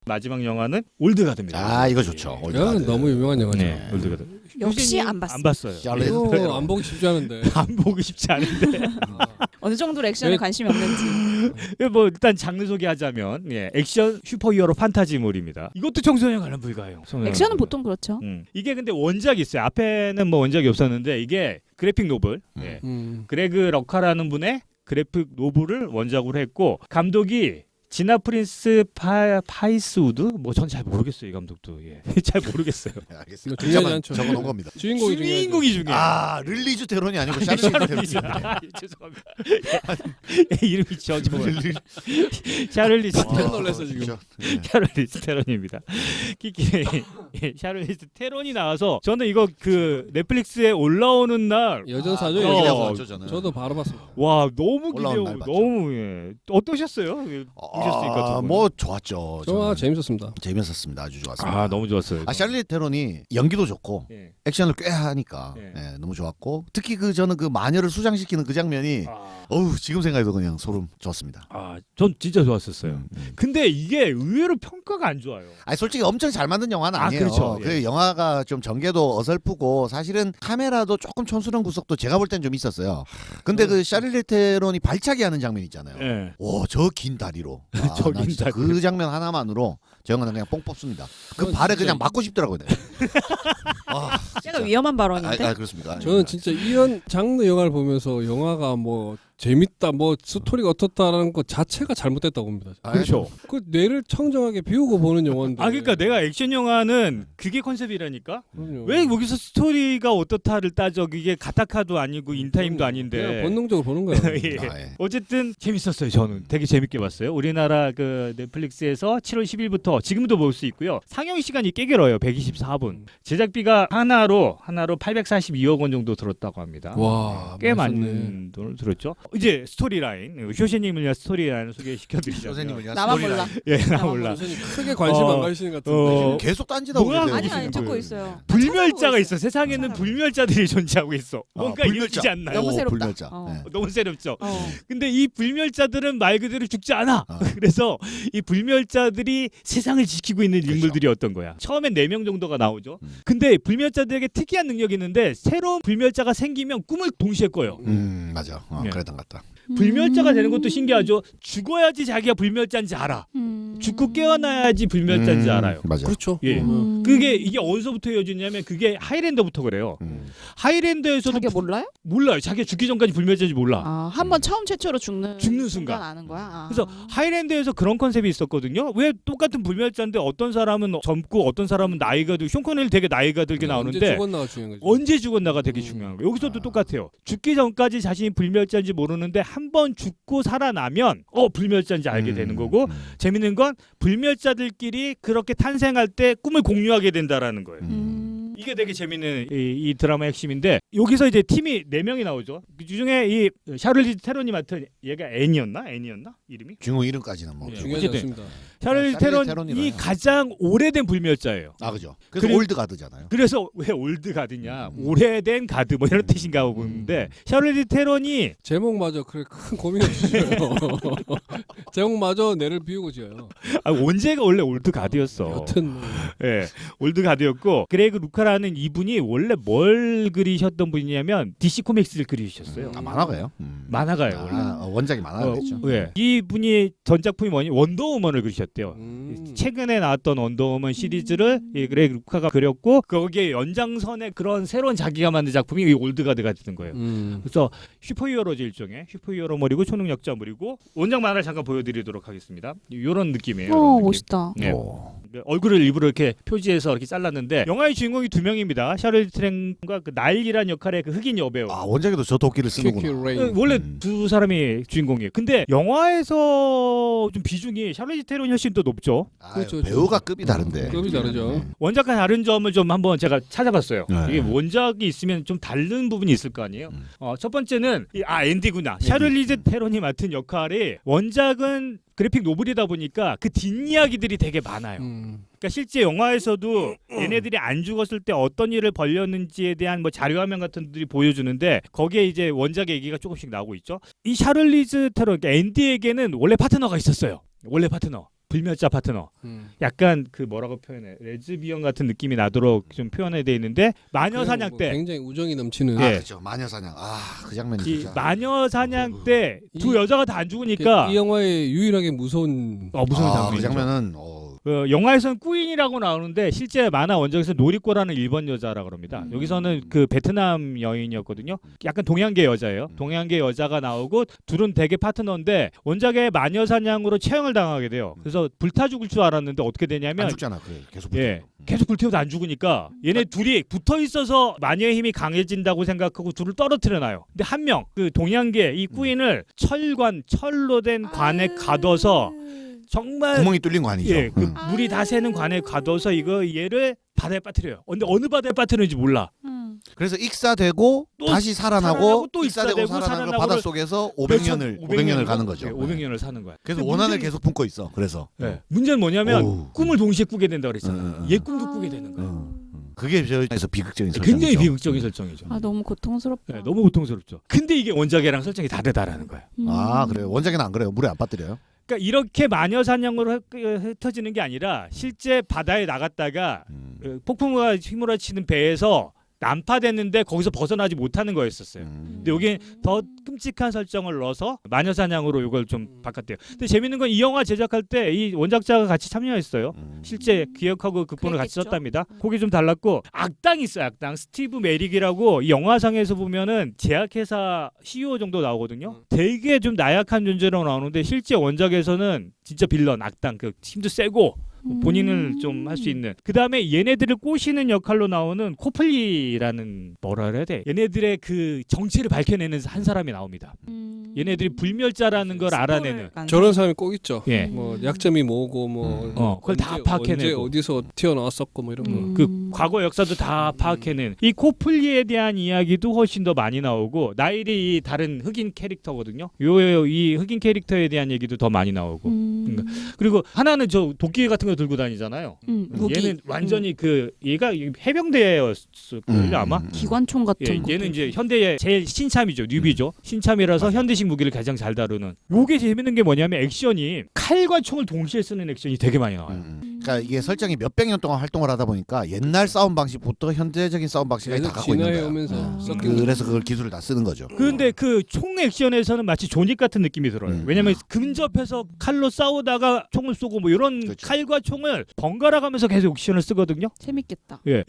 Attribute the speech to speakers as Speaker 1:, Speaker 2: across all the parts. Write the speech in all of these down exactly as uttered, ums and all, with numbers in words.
Speaker 1: 마지막 영화는 올드가드입니다.
Speaker 2: 아 이거 좋죠.
Speaker 3: 이건 너무 유명한 영화죠.
Speaker 1: 네, 올드가드.
Speaker 4: 역시 안 봤어요.
Speaker 1: 안 봤어요.
Speaker 3: 이거 안 보기 쉽지 않은데.
Speaker 1: 안 보고 싶지 않은데.
Speaker 4: 어느 정도로 액션에
Speaker 3: 네.
Speaker 4: 관심이 없는지.
Speaker 1: 뭐 일단 장르 소개하자면 예, 액션 슈퍼히어로 판타지물입니다. 이것도 청소년 관람 불가예요.
Speaker 4: 액션은 보통 그렇죠.
Speaker 1: 음. 이게 근데 원작이 있어요. 앞에는 뭐 원작이 없었는데 이게 그래픽 노블.
Speaker 2: 음.
Speaker 1: 예.
Speaker 3: 음.
Speaker 1: 그레그 럭카라는 분의 그래픽 노블을 원작으로 했고 감독이 지나 프린스 파, 파이스우드 뭐 전 잘 모르겠어요 이 감독도 예. 잘 모르겠어요.
Speaker 2: 네, 알겠습니다.
Speaker 3: 중요하지
Speaker 2: 글자만
Speaker 3: 않죠.
Speaker 2: 적어놓은 겁니다.
Speaker 3: 주인공이 중요하죠.
Speaker 1: 주인공이 중요해요.
Speaker 2: 아 릴리즈 테론이 아니고 샤를리즈 테론이죠.
Speaker 1: 아, 죄송합니다. 예, 이름이 저 저 샤를리즈
Speaker 3: 깜짝
Speaker 1: 테론.
Speaker 3: 놀랐어, 지금.
Speaker 2: 네.
Speaker 1: 샤를리즈 테론입니다. 키키 예, 샤를리즈 테론이 나와서 저는 이거 그 넷플릭스에 올라오는 날
Speaker 3: 여전사죠.
Speaker 2: 아,
Speaker 1: 어.
Speaker 3: 여전사.
Speaker 2: 봤죠, 저는.
Speaker 3: 저도 바로 봤습니다.
Speaker 1: 와 너무
Speaker 2: 올라오는
Speaker 1: 기대하고
Speaker 2: 날 봤죠.
Speaker 1: 너무 예. 어떠셨어요? 보셨으니까 두
Speaker 2: 아,
Speaker 1: 분.
Speaker 2: 뭐 좋았죠.
Speaker 3: 영화
Speaker 2: 저는.
Speaker 3: 재밌었습니다.
Speaker 2: 재밌었습니다. 아주 좋았습니다.
Speaker 1: 아 너무 좋았어요.
Speaker 2: 아 샬리 테론이 연기도 좋고
Speaker 1: 예.
Speaker 2: 액션을 꽤 하니까
Speaker 1: 예.
Speaker 2: 예, 너무 좋았고 특히 그 저는 그 마녀를 수장시키는 그 장면이
Speaker 1: 아,
Speaker 2: 어우 지금 생각해도 그냥 소름 돋습니다.
Speaker 1: 아, 전 진짜 좋았었어요.
Speaker 2: 음, 음.
Speaker 1: 근데 이게 의외로 평가가 안 좋아요.
Speaker 2: 아니 솔직히 엄청 잘 만든 영화는
Speaker 1: 아,
Speaker 2: 아니에요.
Speaker 1: 그렇죠.
Speaker 2: 그
Speaker 1: 예.
Speaker 2: 영화가 좀 전개도 어설프고 사실은 카메라도 조금 촌스러운 구석도 제가 볼 땐 좀 있었어요. 근데 그 샤를리 테론이 발차기 하는 장면 있잖아요.
Speaker 1: 예.
Speaker 2: 오, 저 긴 다리로. 아,
Speaker 1: 저
Speaker 2: 나
Speaker 1: 긴
Speaker 2: 진짜
Speaker 1: 다리.
Speaker 2: 그 장면 하나만으로 저 영화는 그냥 뽕 뽑습니다. 그
Speaker 3: 저는
Speaker 2: 발에
Speaker 3: 진짜
Speaker 2: 그냥
Speaker 3: 이-
Speaker 2: 맞고 싶더라고요. 네. 아,
Speaker 4: 제가 위험한
Speaker 2: 아,
Speaker 4: 발언인데.
Speaker 2: 아 그렇습니까?
Speaker 3: 저는 진짜 이런 장르 영화를 보면서 영화가 뭐 재밌다, 뭐 스토리가 어떻다라는 것 자체가 잘못됐다고 봅니다.
Speaker 2: 아,
Speaker 1: 그렇죠.
Speaker 3: 그 뇌를 청정하게 비우고 보는 영화인데.
Speaker 1: 아 그러니까 내가 액션 영화는 그게 컨셉이라니까.
Speaker 3: 그럼요.
Speaker 1: 왜 여기서 스토리가 어떻다를 따져? 이게 가타카도 아니고 인타임도
Speaker 3: 그냥
Speaker 1: 아닌데.
Speaker 3: 본능적으로 보는 거야.
Speaker 1: 예.
Speaker 2: 아, 예.
Speaker 1: 어쨌든 재밌었어요. 저는 되게 재밌게 봤어요. 우리나라 그 넷플릭스에서 칠월 십일부터 지금도 볼 수 있고요. 상영 시간이 꽤 길어요. 백이십사 분. 제작비가 하나로 하나로 팔백사십이억 원 정도 들었다고 합니다.
Speaker 3: 와,
Speaker 1: 꽤
Speaker 3: 맛있네.
Speaker 1: 많은 돈을 들었죠. 이제 스토리라인, 효신님을 위한 스토리라인을 소개시켜드리자면.
Speaker 2: 선생님을 위한
Speaker 4: 나만
Speaker 2: 스토리라인.
Speaker 4: 몰라.
Speaker 1: 예, 나
Speaker 4: 나만
Speaker 1: 몰라.
Speaker 3: 선생님 크게 관심
Speaker 1: 어,
Speaker 3: 안 가시는 것 같은데.
Speaker 1: 어,
Speaker 2: 계속 딴지다고
Speaker 1: 뭐야,
Speaker 2: 계세요.
Speaker 4: 아니
Speaker 1: 무슨
Speaker 4: 아니
Speaker 1: 그-
Speaker 4: 찾고 있어요.
Speaker 1: 불멸자가
Speaker 4: 찾아보고
Speaker 1: 있어. 세상에는
Speaker 4: 찾아보고
Speaker 1: 불멸자들이 존재하고 있어.
Speaker 2: 아,
Speaker 1: 뭔가
Speaker 2: 불멸자.
Speaker 1: 이기지 않나요?
Speaker 4: 너무
Speaker 2: 오,
Speaker 4: 새롭다.
Speaker 2: 불멸자.
Speaker 4: 어.
Speaker 2: 네.
Speaker 1: 너무 새롭죠.
Speaker 4: 어.
Speaker 1: 근데 이 불멸자들은 말 그대로 죽지 않아.
Speaker 2: 아.
Speaker 1: 그래서 이 불멸자들이 세상을 지키고 있는
Speaker 2: 그렇죠.
Speaker 1: 인물들이었던 거야. 처음엔 네 명 정도가 나오죠.
Speaker 2: 음.
Speaker 1: 근데 불멸자들에게 특이한 능력이 있는데 새로운 불멸자가 생기면 꿈을 동시에 꿔요.
Speaker 2: 음 맞아. 어,
Speaker 1: 예.
Speaker 2: 그랬던 것 같다.
Speaker 1: 불멸자가 되는 것도 신기하죠. 죽어야지 자기가 불멸자인지 알아.
Speaker 4: 음.
Speaker 1: 죽고 깨어나야지 불멸자인지
Speaker 2: 음,
Speaker 1: 알아요.
Speaker 2: 맞아.
Speaker 3: 그렇죠.
Speaker 1: 예.
Speaker 3: 음.
Speaker 1: 그게 이게 어디서부터 이어지냐면 그게 하이랜더부터 그래요.
Speaker 2: 음.
Speaker 1: 하이랜더에서도
Speaker 4: 자기가
Speaker 1: 부-
Speaker 4: 몰라요?
Speaker 1: 몰라요. 자기가 죽기 전까지 불멸자인지 몰라.
Speaker 4: 아, 한 번 처음 최초로 죽는
Speaker 1: 죽는 순간.
Speaker 4: 아는 거야. 아.
Speaker 1: 그래서 하이랜드에서 그런 컨셉이 있었거든요. 왜 똑같은 불멸자인데 어떤 사람은 젊고 어떤 사람은 나이가 들고 쇼 코넬이 되게 나이가 들게
Speaker 3: 언제
Speaker 1: 나오는데
Speaker 3: 죽었나가 중요한 거죠.
Speaker 1: 언제 죽었나가 되게
Speaker 3: 음.
Speaker 1: 중요한 거예요. 여기서도
Speaker 2: 아.
Speaker 1: 똑같아요. 죽기 전까지 자신이 불멸자인지 모르는데 한 번 죽고 살아나면 어 불멸자인지 알게
Speaker 2: 음,
Speaker 1: 되는 거고
Speaker 2: 음.
Speaker 1: 재밌는 건 불멸자들끼리 그렇게 탄생할 때 꿈을 공유하게 된다라는 거예요.
Speaker 4: 음.
Speaker 1: 이게 되게 재밌는 이, 이 드라마의 핵심인데 여기서 이제 팀이 네 명이 나오죠. 그 중에 이 샤를리즈 테론이 맡은 얘가 애니였나? 애니였나? 이름이?
Speaker 2: 중요 이름까지는 뭐.
Speaker 1: 예.
Speaker 3: 중요하지
Speaker 1: 어쨌든.
Speaker 3: 않습니다.
Speaker 1: 샤를리즈
Speaker 2: 샤를리즈
Speaker 1: 테론이
Speaker 2: 테론이라요.
Speaker 1: 가장 오래된 불멸자예요.
Speaker 2: 아 그죠. 그래서
Speaker 1: 그리고-
Speaker 2: 올드 가드잖아요.
Speaker 1: 그래서 왜 올드 가드냐?
Speaker 2: 음.
Speaker 1: 오래된 가드 뭐 이런 뜻인가 하고 보는데 샤를리즈 테론이
Speaker 3: 제목마저 그래 큰 고민이 없으셔요. 제목마저 뇌를 비우고 지어요.
Speaker 1: 아, 원제가 원래 올드 가드였어.
Speaker 3: 여튼 뭐.
Speaker 1: 예, 올드 가드였고 그레이그 루카라는 이분이 원래 뭘 그리셨던 분이냐면 디씨 코믹스를 그리셨어요.
Speaker 2: 아 만화가요? 음.
Speaker 1: 만화가예요, 원래.
Speaker 2: 아, 어, 원작이 만화겠죠.
Speaker 1: 어, 예. 이분이 전작품이 뭐니? 원더우먼을 그리셨대요.
Speaker 3: 음.
Speaker 1: 최근에 나왔던 원더우먼 시리즈를 이 그레이그 루카가 그렸고 거기에 연장선에 그런 새로운 자기가 만든 작품이 이 올드가드가 되는 거예요.
Speaker 3: 음.
Speaker 1: 그래서 슈퍼히어로즈 일종의 슈퍼히어로물이고 초능력자물이고 원작 만화를 잠깐 보여드리도록 하겠습니다. 이런 느낌이에요.
Speaker 4: 어,
Speaker 1: 이런 느낌.
Speaker 4: 멋있다.
Speaker 1: 네.
Speaker 2: 오.
Speaker 1: 얼굴을 일부러 이렇게 표지해서 이렇게 잘랐는데 영화의 주인공이 두 명입니다. 샤를리즈 테론과 그 나일이란 역할의 그 흑인 여배우.
Speaker 2: 아 원작에도 저 도끼를
Speaker 3: 큐큐
Speaker 2: 쓰는구나.
Speaker 3: 레인.
Speaker 1: 어, 원래
Speaker 2: 음.
Speaker 1: 두 사람이 주인공이에요. 근데 영화에서 좀 비중이 샤를리즈 테론이 훨씬 더 높죠.
Speaker 2: 아,
Speaker 3: 그렇죠,
Speaker 2: 배우가 급이 다른데.
Speaker 3: 급이 다르죠.
Speaker 2: 네.
Speaker 1: 원작과 다른 점을 좀 한번 제가 찾아봤어요.
Speaker 2: 네.
Speaker 1: 이게 원작이 있으면 좀 다른 부분이 있을 거 아니에요.
Speaker 2: 음.
Speaker 1: 어, 첫 번째는 이, 아 앤디구나.
Speaker 2: 앤디.
Speaker 1: 샤를리즈 테론이 맡은 역할이 원작은 그래픽 노블이다 보니까 그 뒷이야기들이 되게 많아요.
Speaker 3: 음.
Speaker 1: 그러니까 실제 영화에서도 얘네들이 안 죽었을 때 어떤 일을 벌였는지에 대한 뭐 자료화면 같은 것들이 보여주는데 거기에 이제 원작의 얘기가 조금씩 나오고 있죠. 이 샤를리즈 테론, 그러니까 앤디에게는 원래 파트너가 있었어요. 원래 파트너. 불멸자 파트너.
Speaker 3: 음.
Speaker 1: 약간 그 뭐라고 표현해? 레즈비언 같은 느낌이 나도록 좀 표현해 돼 있는데 마녀 사냥
Speaker 3: 뭐
Speaker 1: 때
Speaker 3: 굉장히 우정이 넘치는.
Speaker 2: 아
Speaker 1: 예.
Speaker 2: 그렇죠. 마녀 사냥. 아 그 장면이
Speaker 1: 이
Speaker 2: 진짜.
Speaker 1: 마녀 사냥 때 두
Speaker 3: 이-
Speaker 1: 여자가 다 안 죽으니까
Speaker 3: 이 영화의 유일하게 무서운.
Speaker 1: 어 무슨
Speaker 2: 아,
Speaker 1: 장면이죠.
Speaker 2: 그 장면은 어,
Speaker 1: 어, 영화에서는 꾸인이라고 나오는데 실제 만화 원작에서 노리코라는 일본 여자라 그럽니다.
Speaker 4: 음.
Speaker 1: 여기서는 그 베트남 여인이었거든요. 약간 동양계 여자예요.
Speaker 2: 음.
Speaker 1: 동양계 여자가 나오고 둘은 되게 파트너인데 원작의 마녀 사냥으로 처형을 당하게 돼요. 그래서 불타 죽을 줄 알았는데 어떻게 되냐면
Speaker 2: 안 죽잖아. 그래 계속.
Speaker 1: 예,
Speaker 2: 붙어.
Speaker 1: 계속 불태워도 안 죽으니까 얘네 둘이 붙어 있어서 마녀의 힘이 강해진다고 생각하고 둘을 떨어뜨려 놔요. 근데 한 명 그 동양계 이 꾸인을 철관 철로 된 관에 가둬서 정말
Speaker 2: 구멍이 뚫린 거 아니죠?
Speaker 1: 예, 그
Speaker 2: 응.
Speaker 1: 물이 다 새는 관에 가둬서 이거 얘를 바다에 빠뜨려요. 근데 어느 바다에 빠뜨리는지 몰라.
Speaker 4: 음.
Speaker 2: 그래서 익사되고
Speaker 1: 또
Speaker 2: 다시 살아나고,
Speaker 1: 살아나고 또
Speaker 2: 익사되고
Speaker 1: 익사되고
Speaker 2: 살아나고
Speaker 1: 살아나고를
Speaker 2: 바다 속에서 오백 년을 오백 년을 가는 거죠.
Speaker 1: 네, 오백 년을 사는 거야.
Speaker 2: 그래서
Speaker 1: 근데
Speaker 2: 원한을
Speaker 1: 문제는-
Speaker 2: 계속 품고 있어. 그래서
Speaker 1: 네. 문제는 뭐냐면
Speaker 2: 어우.
Speaker 1: 꿈을 동시에 꾸게 된다 그랬잖아.
Speaker 2: 응, 응, 응.
Speaker 1: 얘 꿈도 꾸게 되는 거야.
Speaker 2: 응, 응. 그게 저에서 비극적인 설정이죠.
Speaker 1: 굉장히 비극적인 설정이죠.
Speaker 4: 아 너무 고통스럽다.
Speaker 1: 네, 너무 고통스럽죠. 근데 이게 원작이랑 설정이 다르다라는 거야.
Speaker 4: 음.
Speaker 2: 아 그래요. 원작에는 안 그래요. 물에 안 빠뜨려요.
Speaker 1: 그러니까 이렇게 마녀 사냥으로 흩- 흩어지는 게 아니라 실제 바다에 나갔다가
Speaker 2: 음.
Speaker 1: 그 폭풍우가 휘몰아치는 배에서 난파됐는데 거기서 벗어나지 못하는 거였었어요.
Speaker 2: 음.
Speaker 1: 근데 여기엔 더 끔찍한 설정을 넣어서 마녀 사냥으로 이걸 좀 바꿨대요. 근데 재밌는 건 이 영화 제작할 때 이 원작자가 같이 참여했어요.
Speaker 2: 음.
Speaker 1: 실제 기획하고 극본을 같이
Speaker 4: 그랬겠죠.
Speaker 1: 썼답니다. 그게 좀 달랐고 악당이 있어요. 악당 스티브 메릭이라고 이 영화상에서 보면은 제약회사 씨이오 정도 나오거든요. 되게 좀 나약한 존재로 나오는데 실제 원작에서는 진짜 빌런 악당 그 힘도 세고 본인을 좀 할 수 있는. 그 다음에 얘네들을 꼬시는 역할로 나오는 코플리라는 뭐라 그래야 돼? 얘네들의 그 정체를 밝혀내는 한 사람이 나옵니다.
Speaker 4: 음.
Speaker 1: 얘네들이 불멸자라는 걸 알아내는.
Speaker 3: 저런 사람이 꼭 있죠.
Speaker 1: 예.
Speaker 3: 뭐 약점이 뭐고 뭐
Speaker 2: 음.
Speaker 1: 어, 그걸 다
Speaker 3: 언제-
Speaker 1: 파악해내고.
Speaker 3: 언제 어디서 튀어나왔었고 뭐 이런 거.
Speaker 4: 음.
Speaker 1: 그 과거 역사도 다 파악해낸 이 코플리에 대한 이야기도 훨씬 더 많이 나오고 나일이 이 다른 흑인 캐릭터거든요. 요 이 흑인 캐릭터에 대한 얘기도 더 많이 나오고
Speaker 4: 음.
Speaker 1: 그리고 하나는 저 도끼 같은 거 들고 다니잖아요.
Speaker 4: 음, 무기.
Speaker 1: 얘는 완전히 그 얘가 해병대였을걸요
Speaker 2: 음.
Speaker 1: 아마.
Speaker 4: 기관총 같은
Speaker 1: 예,
Speaker 4: 거.
Speaker 1: 얘는 이제 현대의 제일 신참이죠, 뉴비죠. 신참이라서
Speaker 2: 맞아.
Speaker 1: 현대식 무기를 가장 잘 다루는. 요게 재밌는 게 뭐냐면 액션이 칼과 총을 동시에 쓰는 액션이 되게 많이 나와요.
Speaker 2: 음. 그러니까 이게 설정이 몇백 년 동안 활동을 하다 보니까 옛날 싸움 방식부터 현대적인 싸움 방식까지 다 갖고 있는 거야.
Speaker 3: 진화해오면서
Speaker 4: 아.
Speaker 3: 섞인
Speaker 2: 그래서 그걸 기술을 다 쓰는 거죠.
Speaker 1: 그런데 그 총 액션에서는 마치 존윅 같은 느낌이 들어요.
Speaker 2: 음.
Speaker 1: 왜냐면 근접해서 칼로 싸우다가 총을 쏘고 뭐 이런
Speaker 2: 그렇죠.
Speaker 1: 칼과 총을 번갈아 가면서 계속 액션을 쓰거든요.
Speaker 4: 재밌겠다.
Speaker 1: 예,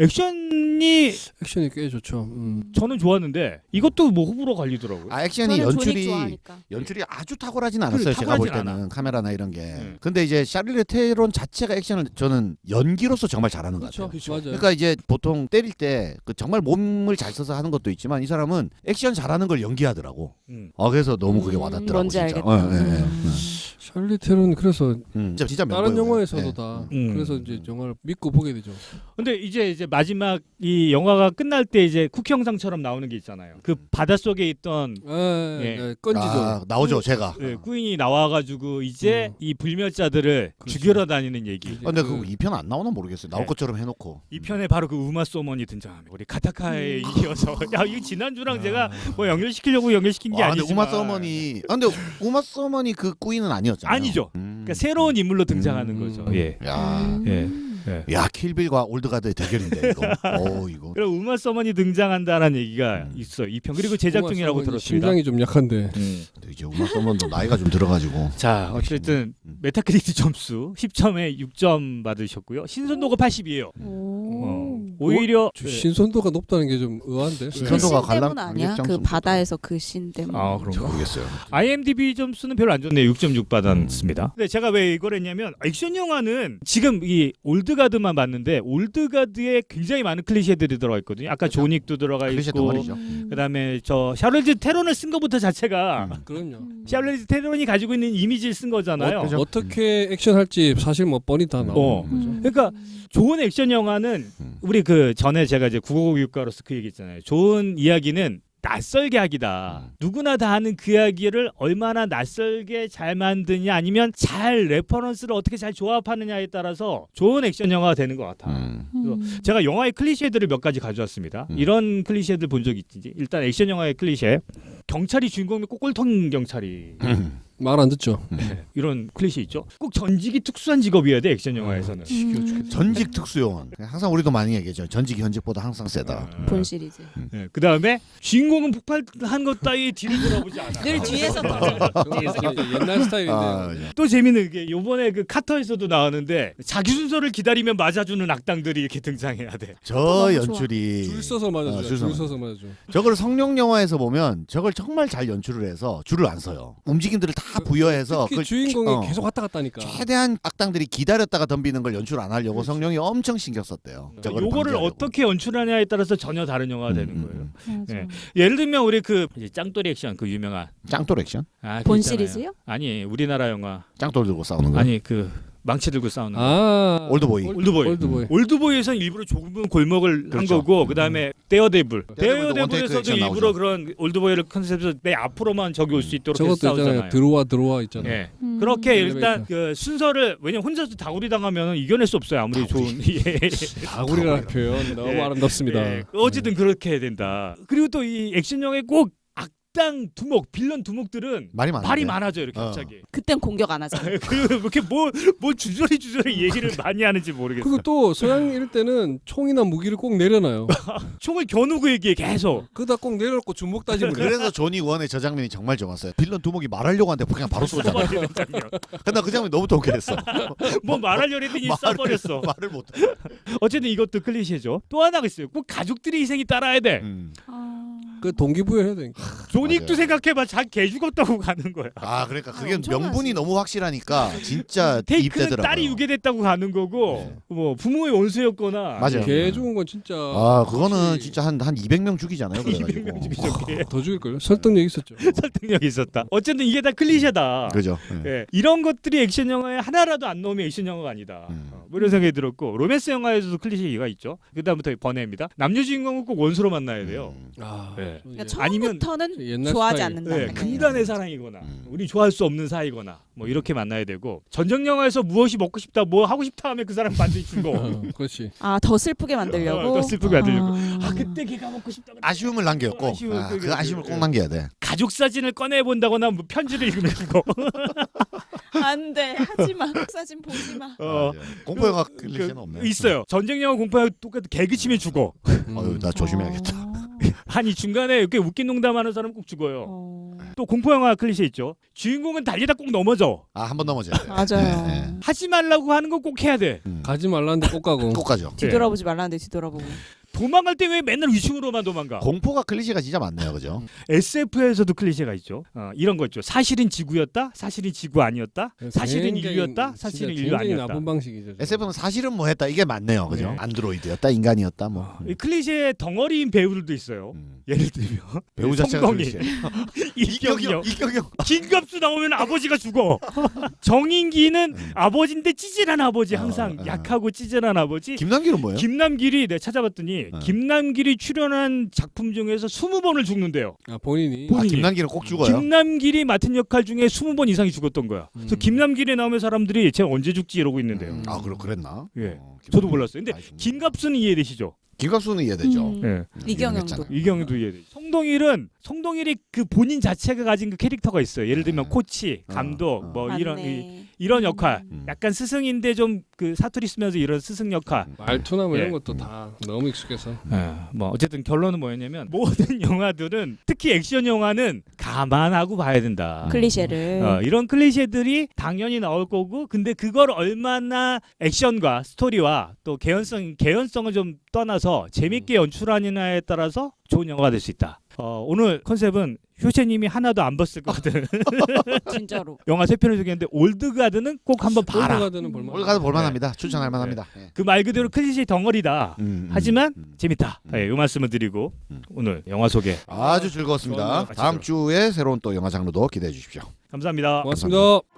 Speaker 1: 액션이
Speaker 3: 액션이 꽤 좋죠. 음.
Speaker 1: 저는 좋았는데 이것도 뭐 호불호 갈리더라고요.
Speaker 2: 아 액션이
Speaker 4: 저는 조닉
Speaker 2: 연출이
Speaker 4: 좋아하니까.
Speaker 2: 연출이 아주 탁월하진 않았어요.
Speaker 1: 그래,
Speaker 2: 제가 볼
Speaker 1: 탁월하진
Speaker 2: 때는
Speaker 1: 않아.
Speaker 2: 카메라나 이런 게.
Speaker 1: 네.
Speaker 2: 근데 이제 샤를리 테론 자체가 액션을 저는 연기로서 정말 잘하는 것 같아요.
Speaker 3: 그렇죠. 맞아요.
Speaker 2: 그러니까 이제 보통 때릴 때 그 정말 몸을 잘 써서 하는 것도 있지만 이 사람은 액션 잘하는 걸 연기하더라고.
Speaker 1: 음.
Speaker 2: 아 그래서 너무 그게
Speaker 4: 음,
Speaker 2: 와닿더라고.
Speaker 4: 뭔지
Speaker 2: 진짜.
Speaker 4: 알겠다.
Speaker 2: 어, 예, 예, 예.
Speaker 4: 음.
Speaker 3: 샬리 테론 그래서
Speaker 2: 음, 진짜, 진짜
Speaker 3: 다른
Speaker 2: 멤버예요.
Speaker 3: 영화에서도
Speaker 2: 예.
Speaker 3: 다
Speaker 1: 음.
Speaker 3: 그래서 이제 영화를 믿고 보게 되죠.
Speaker 1: 근데 이제 이제 마지막 이 영화가 끝날 때 이제 쿠키 영상처럼 나오는 게 있잖아요. 그 바닷속에 있던
Speaker 3: 아,
Speaker 1: 예.
Speaker 3: 네, 건지죠.
Speaker 2: 아, 나오죠 제가.
Speaker 1: 예, 꾸인이 나와가지고 이제
Speaker 3: 음.
Speaker 1: 이 불멸자들을
Speaker 3: 그렇죠.
Speaker 1: 죽여러 다니는 얘기.
Speaker 2: 아, 근데 그 이 편 안 나오나 모르겠어요. 나올
Speaker 1: 네.
Speaker 2: 것처럼 해놓고.
Speaker 1: 이 편에 바로 그 우마 소먼이 등장합니다. 우리 카타카에 이어서 야 이거 지난주랑 제가 뭐 연결시키려고 연결시킨 게
Speaker 2: 아, 근데
Speaker 1: 아니지만
Speaker 2: 우마 서머니. 아, 근데 우마 서머니 그 꾸이는 아니었잖아요.
Speaker 1: 아니죠.
Speaker 2: 음.
Speaker 1: 그러니까 새로운 인물로 등장하는
Speaker 3: 음.
Speaker 1: 거죠. 예.
Speaker 2: 야,
Speaker 4: 음.
Speaker 1: 예. 예.
Speaker 2: 야 킬빌과 올드가드의 대결인데 이거. 어 이거.
Speaker 1: 그럼 우마 서먼이 등장한다라는 얘기가
Speaker 2: 음.
Speaker 1: 있어. 이 편 그리고 제작
Speaker 3: 정말
Speaker 1: 중이라고
Speaker 3: 서머니
Speaker 1: 들었습니다.
Speaker 3: 심장이 좀 약한데.
Speaker 1: 음.
Speaker 2: 근데 이제 우마 서머도 나이가 좀 들어가지고.
Speaker 1: 자 어쨌든
Speaker 2: 음.
Speaker 1: 메타크리틱 점수 십 점에 육 점 받으셨고요. 신선도가 팔십이에요.
Speaker 4: 오.
Speaker 1: 어. 오히려
Speaker 3: 저
Speaker 1: 네.
Speaker 3: 신선도가 높다는 게 좀 의아한데.
Speaker 4: 그
Speaker 2: 신선도가
Speaker 4: 신 때문
Speaker 2: 관람-
Speaker 4: 아니야?
Speaker 2: 관객
Speaker 4: 그
Speaker 2: 점수
Speaker 4: 바다에서 그 신 때문.
Speaker 1: 아
Speaker 2: 저
Speaker 1: 그런가?
Speaker 2: 모르겠어요.
Speaker 1: 아이엠디비 점수는 별로 안 좋네요. 육 점 육 받았습니다. 근데 제가 왜 이걸 했냐면 액션 영화는 지금 이 올드가드만 봤는데 올드가드에 굉장히 많은 클리셰들이 들어가 있거든요. 아까 조닉도 들어가
Speaker 2: 클리셰
Speaker 1: 있고
Speaker 2: 덩어리죠.
Speaker 1: 그다음에 저 샤를리즈 테론을 쓴 것부터 자체가
Speaker 2: 음.
Speaker 3: 그럼요.
Speaker 1: 샤를리즈 테론이 가지고 있는 이미지를 쓴 거잖아요.
Speaker 2: 어, 그죠?
Speaker 3: 어떻게 액션할지 사실 뭐 뻔히 다 나오는
Speaker 1: 어.
Speaker 3: 거죠.
Speaker 1: 그러니까 좋은 액션 영화는
Speaker 2: 음.
Speaker 1: 우리 그 전에 제가 이제 국어교육가로서 그 얘기했잖아요. 좋은 이야기는 낯설게 하기다.
Speaker 2: 음.
Speaker 1: 누구나 다 아는 그 이야기를 얼마나 낯설게 잘 만드냐 아니면 잘 레퍼런스를 어떻게 잘 조합하느냐에 따라서 좋은 액션 영화가 되는 것 같아.
Speaker 2: 음.
Speaker 4: 음.
Speaker 1: 제가 영화의 클리셰들을 몇 가지 가져왔습니다.
Speaker 2: 음.
Speaker 1: 이런 클리셰들 본 적 있지? 일단 액션 영화의 클리셰. 경찰이 주인공이면 꼬골통 경찰이.
Speaker 2: 음.
Speaker 3: 말 안 듣죠.
Speaker 1: 네, 이런 클리셰 있죠. 꼭 전직이 특수한 직업이어야 돼 액션 영화에서는.
Speaker 4: 음.
Speaker 2: 전직 특수요원. 항상 우리도 많이 얘기하죠. 전직 현직보다 항상 세다.
Speaker 1: 아,
Speaker 4: 본 시리즈.
Speaker 1: 네, 그 다음에 주인공은 폭발한 것 따위 뒤를 돌아보지 않아.
Speaker 4: 늘 뒤에서 터져.
Speaker 3: 저는 옛날 스타일인데.
Speaker 2: 아,
Speaker 1: 또 재밌는 게 요번에 그 카터에서도 나왔는데 자기 순서를 기다리면 맞아주는 악당들이 이렇게 등장해야 돼.
Speaker 2: 저
Speaker 4: 너무
Speaker 2: 연출이
Speaker 3: 줄 서서 맞아줘.
Speaker 2: 어,
Speaker 3: 줄,
Speaker 2: 줄 서서
Speaker 3: 서서 맞아줘.
Speaker 2: 저걸 성룡 영화에서 보면 저걸 정말 잘 연출을 해서 줄을 안 서요. 움직임들을 다 부여해서
Speaker 3: 특히
Speaker 2: 그걸
Speaker 3: 주인공이
Speaker 2: 어.
Speaker 3: 계속 왔다 갔다 하니까.
Speaker 2: 최대한 악당들이 기다렸다가 덤비는 걸 연출 안 하려고
Speaker 3: 그렇지.
Speaker 2: 성룡이 엄청 신경 썼대요. 저거를
Speaker 1: 요거를
Speaker 2: 방지하려고.
Speaker 1: 어떻게 연출하냐에 따라서 전혀 다른 영화가 되는
Speaker 2: 음,
Speaker 1: 거예요.
Speaker 2: 음,
Speaker 4: 맞아.
Speaker 1: 네. 예를 들면 우리 그 이제 짱돌이 액션 그 유명한
Speaker 2: 음. 짱돌 액션?
Speaker 1: 아, 그거
Speaker 4: 본
Speaker 1: 있잖아요.
Speaker 4: 시리즈요?
Speaker 1: 아니 우리나라 영화
Speaker 2: 짱돌 들고 싸우는 거.
Speaker 1: 아니 그 망치 들고 싸우는 거.
Speaker 3: 아
Speaker 2: 올드보이.
Speaker 1: 올드보이.
Speaker 3: 올드보이.
Speaker 1: 올드보이에서는 일부러 좁은 골목을
Speaker 2: 그렇죠.
Speaker 1: 한 거고 그다음에 데어데블.
Speaker 2: 데어데블도 원테이크
Speaker 1: 데어데블에서도
Speaker 2: 액션
Speaker 1: 일부러
Speaker 2: 나오죠.
Speaker 1: 그런 올드보이를 컨셉에서 내 앞으로만 적이 올 수 있도록 해서
Speaker 3: 저것도 있잖아요.
Speaker 1: 싸우잖아요.
Speaker 3: 들어와 들어와 있잖아요.
Speaker 1: 예.
Speaker 4: 음.
Speaker 1: 그렇게
Speaker 3: 엘리베이터.
Speaker 1: 일단 그 순서를 왜냐면 혼자서 다구리 당하면 이겨낼 수 없어요. 아무리 좋은 예.
Speaker 3: 다구리라는 표현 너무
Speaker 1: 예.
Speaker 3: 아름답습니다.
Speaker 1: 예. 어쨌든 그렇게 해야 된다. 그리고 또 이 액션 영화에 꼭 악당 두목, 빌런 두목들은
Speaker 2: 말이 많아.
Speaker 1: 말이 많아져 이렇게
Speaker 2: 어.
Speaker 1: 갑자기.
Speaker 4: 그땐 공격 안 하죠.
Speaker 1: 그 이렇게 뭐뭐 주저리 주저리 얘기를 많이 하는지 모르겠어.
Speaker 3: 그리고 또 서양 이럴 때는 총이나 무기를 꼭 내려놔요.
Speaker 1: 총을 겨누고 얘기해 계속.
Speaker 3: 그다 꼭 내려놓고 주먹 다짐을 해.
Speaker 2: 그래서 조니 원의 저 장면이 정말 좋았어요. 빌런 두목이 말하려고 하는데 그냥 바로 쏘잖아.
Speaker 1: 쏘아버리는 장면.
Speaker 2: 근데 그 장면이 너무 통쾌했어.
Speaker 1: 뭐 말하려고 했더니 쏴버렸어.
Speaker 2: 말을 못.
Speaker 1: 어쨌든 이것도 클리셰죠. 또 하나가 있어요. 꼭 가족들의 희생이 따라야 돼.
Speaker 2: 음.
Speaker 4: 아...
Speaker 3: 그 동기부여해야 되니까.
Speaker 1: 존윅도
Speaker 2: 맞아요.
Speaker 1: 생각해봐. 자기 개 죽었다고 가는 거야.
Speaker 2: 아 그러니까 그게
Speaker 4: 엄청나지.
Speaker 2: 명분이 너무 확실하니까 진짜
Speaker 1: 테이크는
Speaker 2: 입대더라고요.
Speaker 1: 딸이 유괴됐다고 가는 거고
Speaker 2: 네.
Speaker 1: 뭐 부모의 원수였거나
Speaker 2: 맞아요.
Speaker 3: 개 죽은 건 진짜.
Speaker 2: 아 그거는
Speaker 3: 확실히
Speaker 2: 진짜 한 한 이백 명 죽이잖아요. 그래가지고.
Speaker 1: 이백 명 죽이죠. 개.
Speaker 3: 더 죽일걸요? 설득력 있었죠.
Speaker 1: 설득력이 있었다. 어쨌든 이게 다 클리셰다.
Speaker 2: 그죠. 예.
Speaker 1: 예, 이런 것들이 액션 영화에 하나라도 안 넣으면 액션 영화가 아니다.
Speaker 2: 음.
Speaker 1: 어, 뭐 이런 생각이 들었고 로맨스 영화에서도 클리셰가 있죠. 그다음부터 번외입니다. 남녀 주인공은 꼭 원수로 만나야 돼요.
Speaker 2: 음.
Speaker 3: 아,
Speaker 1: 네.
Speaker 3: 좀
Speaker 4: 그러니까
Speaker 3: 이제
Speaker 1: 아니면
Speaker 4: 처음부터는
Speaker 3: 옛날
Speaker 4: 좋아하지
Speaker 3: 스타일.
Speaker 4: 않는다.
Speaker 1: 네, 금단의 사랑이거나
Speaker 2: 음.
Speaker 1: 우리 좋아할 수 없는 사이거나 뭐 이렇게 만나야 되고 전쟁 영화에서 무엇이 먹고 싶다 뭐 하고 싶다 하면 그 사람 반드시 죽어.
Speaker 3: 어, 그렇지.
Speaker 4: 아더 슬프게 만들려고.
Speaker 1: 어, 더 슬프게 만들려고.
Speaker 4: 아,
Speaker 1: 아 그때 걔가 먹고 싶다. 그랬는데.
Speaker 2: 아쉬움을 남겨요. 꼭.
Speaker 1: 아쉬움을
Speaker 2: 아,
Speaker 1: 그-
Speaker 2: 그 아쉬움을 꼭
Speaker 1: 그-
Speaker 2: 남겨야 돼.
Speaker 1: 가족 사진을 꺼내 본다거나 뭐 편지를 읽으면 죽어.
Speaker 4: 안돼 하지 마. 사진 보지 마.
Speaker 1: 어,
Speaker 2: 공포 영화
Speaker 1: 그-
Speaker 2: 클리셰는 없네.
Speaker 1: 있어요. 전쟁 영화 공포 영화 똑같은 개그 치면 죽어.
Speaker 3: 음.
Speaker 2: 어휴 나 조심해야겠다.
Speaker 4: 어.
Speaker 1: 아니 중간에 이렇게 웃긴 농담하는 사람 꼭 죽어요.
Speaker 4: 어.
Speaker 1: 또 공포 영화 클리셰 있죠. 주인공은 달리다 꼭 넘어져.
Speaker 2: 아 한 번 넘어져야 돼.
Speaker 4: 맞아요.
Speaker 2: 예, 예.
Speaker 1: 하지 말라고 하는 거 꼭 해야 돼.
Speaker 2: 음.
Speaker 3: 가지 말라는데 꼭 가고.
Speaker 2: 꼭 가죠.
Speaker 4: 뒤돌아보지 말라는데 뒤돌아보고.
Speaker 1: 도망갈 때 왜 맨날 위층으로만 도망가?
Speaker 2: 공포가 클리셰가 진짜 많네요, 그죠?
Speaker 1: 에스에프에서도 클리셰가 있죠. 어, 이런 거 있죠. 사실은 지구였다. 사실은 지구 아니었다. 사실은
Speaker 3: 굉장히-
Speaker 1: 인류였다. 사실은
Speaker 3: 진짜
Speaker 1: 인류
Speaker 3: 굉장히
Speaker 1: 아니었다.
Speaker 3: 나쁜 방식이죠.
Speaker 2: 에스에프는 사실은 뭐 했다 이게 맞네요, 그죠?
Speaker 1: 네.
Speaker 2: 안드로이드였다, 인간이었다, 뭐.
Speaker 1: 이 클리셰 덩어리인 배우들도 있어요.
Speaker 2: 음.
Speaker 1: 예를 들면
Speaker 2: 배우 자체가
Speaker 1: 성동이,
Speaker 2: 클리셰.
Speaker 1: 이경영,
Speaker 2: 이경영.
Speaker 1: 김갑수 나오면 아버지가 죽어. 정인기는 아버지인데 찌질한 아버지, 항상
Speaker 2: 어, 어.
Speaker 1: 약하고 찌질한 아버지.
Speaker 2: 김남길은 뭐예요?
Speaker 1: 김남길이 내가 찾아봤더니
Speaker 2: 어.
Speaker 1: 김남길이 출연한 작품 중에서 스무 번을 죽는데요.
Speaker 3: 아 본인이.
Speaker 2: 아,
Speaker 1: 본인이.
Speaker 2: 김남길은 꼭 죽어요.
Speaker 1: 김남길이 맡은 역할 중에 스무 번 이상이 죽었던 거야. 그래서
Speaker 3: 음.
Speaker 1: 김남길에 나오면 사람들이 쟤 언제 죽지 이러고 있는데요.
Speaker 2: 음. 아, 그렇 그랬나?
Speaker 1: 예.
Speaker 2: 어,
Speaker 1: 저도
Speaker 2: 김남길
Speaker 1: 몰랐어요. 근데
Speaker 2: 많이 죽네.
Speaker 1: 김갑수는 이해되시죠?
Speaker 2: 김갑수는 이해되죠.
Speaker 4: 음.
Speaker 1: 예.
Speaker 4: 이경영도.
Speaker 2: 유명했잖아요.
Speaker 1: 이경도 이해되죠. 송동일은 송동일이 그 본인 자체가 가진 그 캐릭터가 있어요. 예를 들면
Speaker 2: 아.
Speaker 1: 코치,
Speaker 2: 어,
Speaker 1: 감독,
Speaker 2: 어.
Speaker 1: 뭐 이런 이,
Speaker 4: 맞네.
Speaker 1: 이런 역할.
Speaker 2: 음.
Speaker 1: 약간 스승인데 좀 그 사투리 쓰면서 이런 스승 역할.
Speaker 3: 말투나 뭐 이런
Speaker 1: 예.
Speaker 3: 것도 다 너무 익숙해서.
Speaker 1: 예, 뭐 어쨌든 결론은 뭐였냐면 모든 영화들은 특히 액션 영화는 감안하고 봐야 된다.
Speaker 4: 클리셰를.
Speaker 1: 어, 이런 클리셰들이 당연히 나올 거고 근데 그걸 얼마나 액션과 스토리와 또 개연성 개연성을 좀 떠나서 재밌게 연출하느냐에 따라서 좋은 영화가 될 수 있다. 어, 오늘 컨셉은 효재님이 하나도 안 봤을 거거든.
Speaker 4: 진짜로.
Speaker 1: 영화 세 편을 소개했는데 올드가드는 꼭 한번 봐라.
Speaker 3: 올드가드는 볼만.
Speaker 2: 오늘 가도 볼만합니다. 추천할 만합니다. 예.
Speaker 1: 그 말 그대로 클리셰 덩어리다.
Speaker 2: 음, 음,
Speaker 1: 하지만
Speaker 2: 음.
Speaker 1: 재밌다.
Speaker 2: 음.
Speaker 1: 네, 이 말씀을 드리고
Speaker 2: 음.
Speaker 1: 오늘 영화 소개
Speaker 2: 아주 즐거웠습니다.
Speaker 3: 좋았네요.
Speaker 2: 다음 주에 새로운 또 영화 장르도 기대해 주십시오.
Speaker 1: 감사합니다.
Speaker 3: 고맙습니다.